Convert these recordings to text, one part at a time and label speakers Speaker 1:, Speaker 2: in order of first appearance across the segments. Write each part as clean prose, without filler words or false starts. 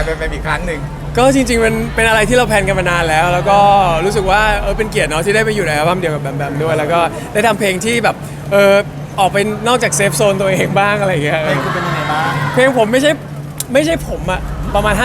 Speaker 1: แบมอีกครั้งหนึ่ง
Speaker 2: ก็จริงๆมันเป็นอะไรที่เราแพลนกันมานานแล้วก็รู้สึกว่าเป็นเกียรติเนาะที่ได้ไปอยู่ในอัลบั้มเดียวกับแบมแบมด้วยแล้วก็ได้ทำเพลงที่แบบออกไปนอกจากเซฟโซนตัวเองบ้างอะไรอย่างเงี้ย
Speaker 3: เพลงคุณเป็นยังไงบ้าง
Speaker 2: เพลงผมไม่ใช่ผมอะประมาณ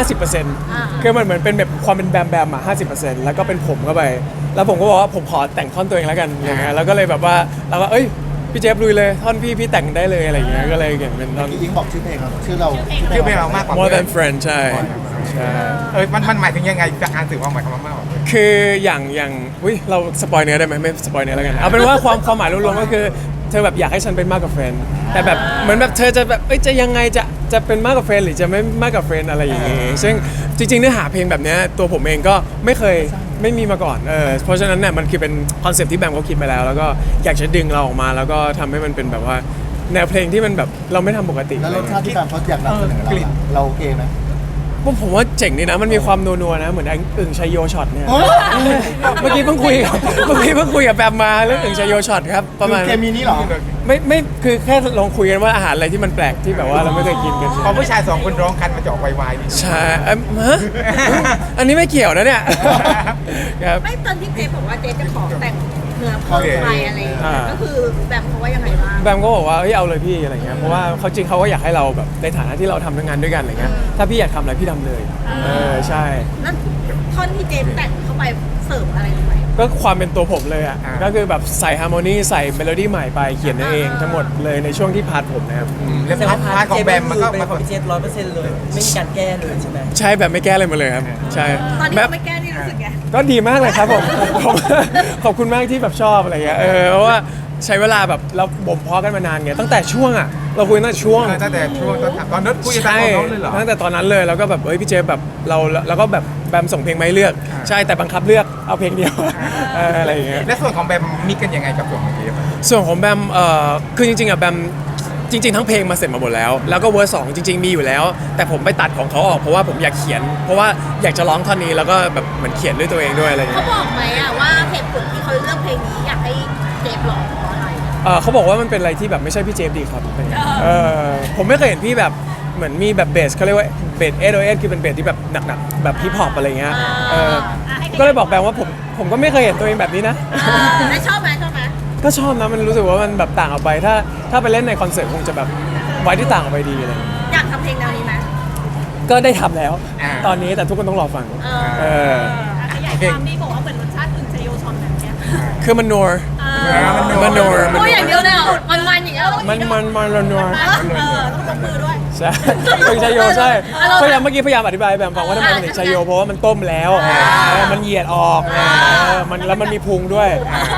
Speaker 2: 50%คือมันเหมือนเป็นแบบความเป็นแบมแบมอะ50%แล้วก็เป็นผมเข้าไปแล้วผมก็บอกว่าผมขอแต่งท่อนตัวเองแล้วกันอย่างเงี้ยแล้วก็เลยแบบว่าเราก็พี่เจฟลุยเลยท่อนพี่แต่งได้เลยอะไรอย่างเงี้ยก็เลยเขียนเป็นท่อน
Speaker 3: ยิงบอกชื่อเพลงเราชื่อเรา
Speaker 1: ชื่อเพลงเรามากกว่า
Speaker 2: More than friend ใช่ใช่
Speaker 1: มันหมายถึงยังไงจากการสื่อความหมายคำว่ามากกว่า
Speaker 2: คืออย่างเราสปอยเนื้อได้ไหมไม่สปอยเนื้อแล้วกันเอาเป็นว่าความหมายรวมๆก็คือเธอแบบอยากให้ฉันเป็นมากกว่าแฟนแต่แบบเหมือนแบบเธอจะแบบจะยังไงจะเป็นมากกว่าแฟนหรือจะไม่มากกว่าแฟนอะไรอย่างเงี้ยซึ่งจริงๆเนื้อหาเพลงแบบเนี้ยตัวผมเองก็ไม่มีมาก่อนเพราะฉะนั้นเนี่ยมันคือเป็นคอนเซ็ปต์ที่แบมเขาคิดไปแล้วก็อยากจะดึงเราออกมาแล้วก็ทำให้มันเป็นแบบว่าแนวเพลงที่มันแบบเราไม่ทำปกติ
Speaker 3: แล้วรสชาติที่แบมเขาอยากนำเสนอเราโอเคไหม
Speaker 2: ผมว่าเจ๋งดีนะมันมีความนัวๆนะเหมือนอึ่งชัยโยช็อตเนี่ย
Speaker 3: โอ้
Speaker 2: เมื่อกี้เพิ่งคุยกับแบมมาเรื่องอึ่งชัยโยช็อตครับประมาณ
Speaker 3: เคมีนี้เหรอ
Speaker 2: ไม่คือแค่ลองคุยกันว่าอาหารอะไรที่มันแปลกที่แบบว่าเราไม่เคยกินกัน
Speaker 1: พอผู้ชายสองคนร้องกันมาจะออกวายๆดิ
Speaker 2: ใช่ฮะอันนี้ไม่เกี่ยวนะเนี่ยครับ
Speaker 4: ไม่ตอนที่เจฟบอกว่าเจฟจะขอแต่งเนื้อเพิ่มไปอะไรอย่างเงี้ยก็คือแบบเขาว่ายังไงบ้าง
Speaker 2: แบมก็บอกว่าเอาเลยพี่อะไรเงี้ยเพราะว่าเขาจริงเขาก็อยากให้เราแบบในฐานะที่เราทำงานด้วยกันอะไรเงี้ยถ้าพี่อยากทำอะไรพี่ทำเลยใช่
Speaker 4: นั่นท่อนที่เจฟแต่งเข้าไปเสริมอะไรลงไป
Speaker 2: ก็ความเป็นตัวผมเลยอ่ะก็คือแบบใส่ฮาร์โมนีใส่เมโลดี้ใหม่ไปเขียนเองทั้งหมดเลยในช่วงที่พาร์ทผมนะครับ
Speaker 1: แล้วพาร์ทของแบมมันก็
Speaker 5: เป็นของพี่เจฟ100%เลยไม่มีการแก้เลยใช่ไหม
Speaker 2: ใช่แบบไม่แก้อะไรมาเลยครับใช่
Speaker 4: ตอนนี้
Speaker 2: แบบ
Speaker 4: เราไม่แก้นี่รู้สึกไง
Speaker 2: ก็ดีมากเลยครับผม ขอบคุณมากที่แบบชอบอะไรเงี้ยเพราะว่าใช้เวลาแบบเราบ่มเพาะกันมานานไงตั้งแต่ช่วงอ่ะเราคุยตั้งแต่ช่วง
Speaker 1: ตั้งแต่ช่วงตอนนั้นคุยกันตอนนั้นเลยเหรอ
Speaker 2: ตั้งแต่ตอนนั้นเลยแล้วก็แบบพี่เจฟแบบเราก็แบบแบมส่งเพลงมาให้เลือกใช่แต่บังคับเลือกเอาเพลงเดียวอะไรอย่างเงี้ย
Speaker 1: และส่วนของแบมมีกันยังไงกับส่วนของเจฟ
Speaker 2: ส่วนของแบมคือจริงๆอ่ะแบมจริงๆทั้งเพลงมาเสร็จมาหมดแล้วแล้วก็เวอร์สองจริงๆมีอยู่แล้ว แต่ผมไปตัดของเขาออกเพราะว่าผมอยากเขียน เพราะว่าอยากจะร้องท่อนนี้แล้วก็แบบเหมือนเขียนด้วยตัวเองด้วยอะไรอย่าง
Speaker 4: เขา
Speaker 2: เงี้ย
Speaker 4: บอกไหมอะว่าเหตุผลที่เขาเลือกเพลงนี้อยากให้เจฟร้องเพราะอะไร
Speaker 2: เขาบอกว่ามันเป็นอะไรที่แบบไม่ใช่พี่เจฟดีครับผมไม่เคยเห็นพี่แบบเหมือนมีแบบเบสเขาเรียกว่าเบส808คือเป็นเบสที่แบบหนักๆแบบฮิปฮอปอะไรเงี้ยก็เลยบอกแบมว่าผมก็ไม่เคยเห็นตัวเองแบบนี้นะ
Speaker 4: แล้วชอบไหมชอบไหม
Speaker 2: ก็ชอบนะมันรู้สึกว่ามันแบบต่างออกไปถ้าไปเล่นในคอนเสิร์ตคงจะแบบไว้ที่ต่างออกไปดีอะไรอย่างเงี้ย
Speaker 4: อยากทำเพลงแนวนี้ไหม
Speaker 2: ก็ได้ทำแล้ว ตอนนี้แต่ทุกคนต้องรอฟัง
Speaker 4: ขยายความนี่บอกว่าเหมือนรสชาติอึ่งชัยโยชอนแบบเนี้ย
Speaker 2: คือมันนัว มันนัว
Speaker 4: พูดอย่างเดียวเลยเหรอมันอย่างเงี้ย
Speaker 2: มันนัว
Speaker 4: ต้องจับมือด้วย
Speaker 2: ใช่เป็นชัยโยใช่พยายามเมื่อกี้พยายามอธิบายแบบฟังว่าทำไมมันถึงชัยโยเพราะว่ามันต้มแล้วมันเหยียดออกแล้วมันมีพุงด้วย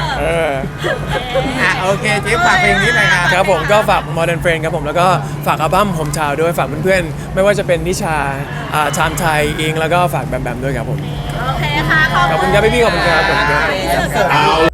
Speaker 1: โอเคเจฟฝากเพลงนี้หน่อยครับ
Speaker 2: ครับผมก็ฝาก Modern Friend ครับผมแล้วก็ฝากอัลบั้มผมชาวด้วยฝากเพื่อนๆไม่ว่าจะเป็นนิชาชามไทยอิงแล้วก็ฝากแบมแบมด้วยครับผม
Speaker 4: โอเคค่ะ
Speaker 2: ขอบคุณครับพี่ๆขอบคุณครับ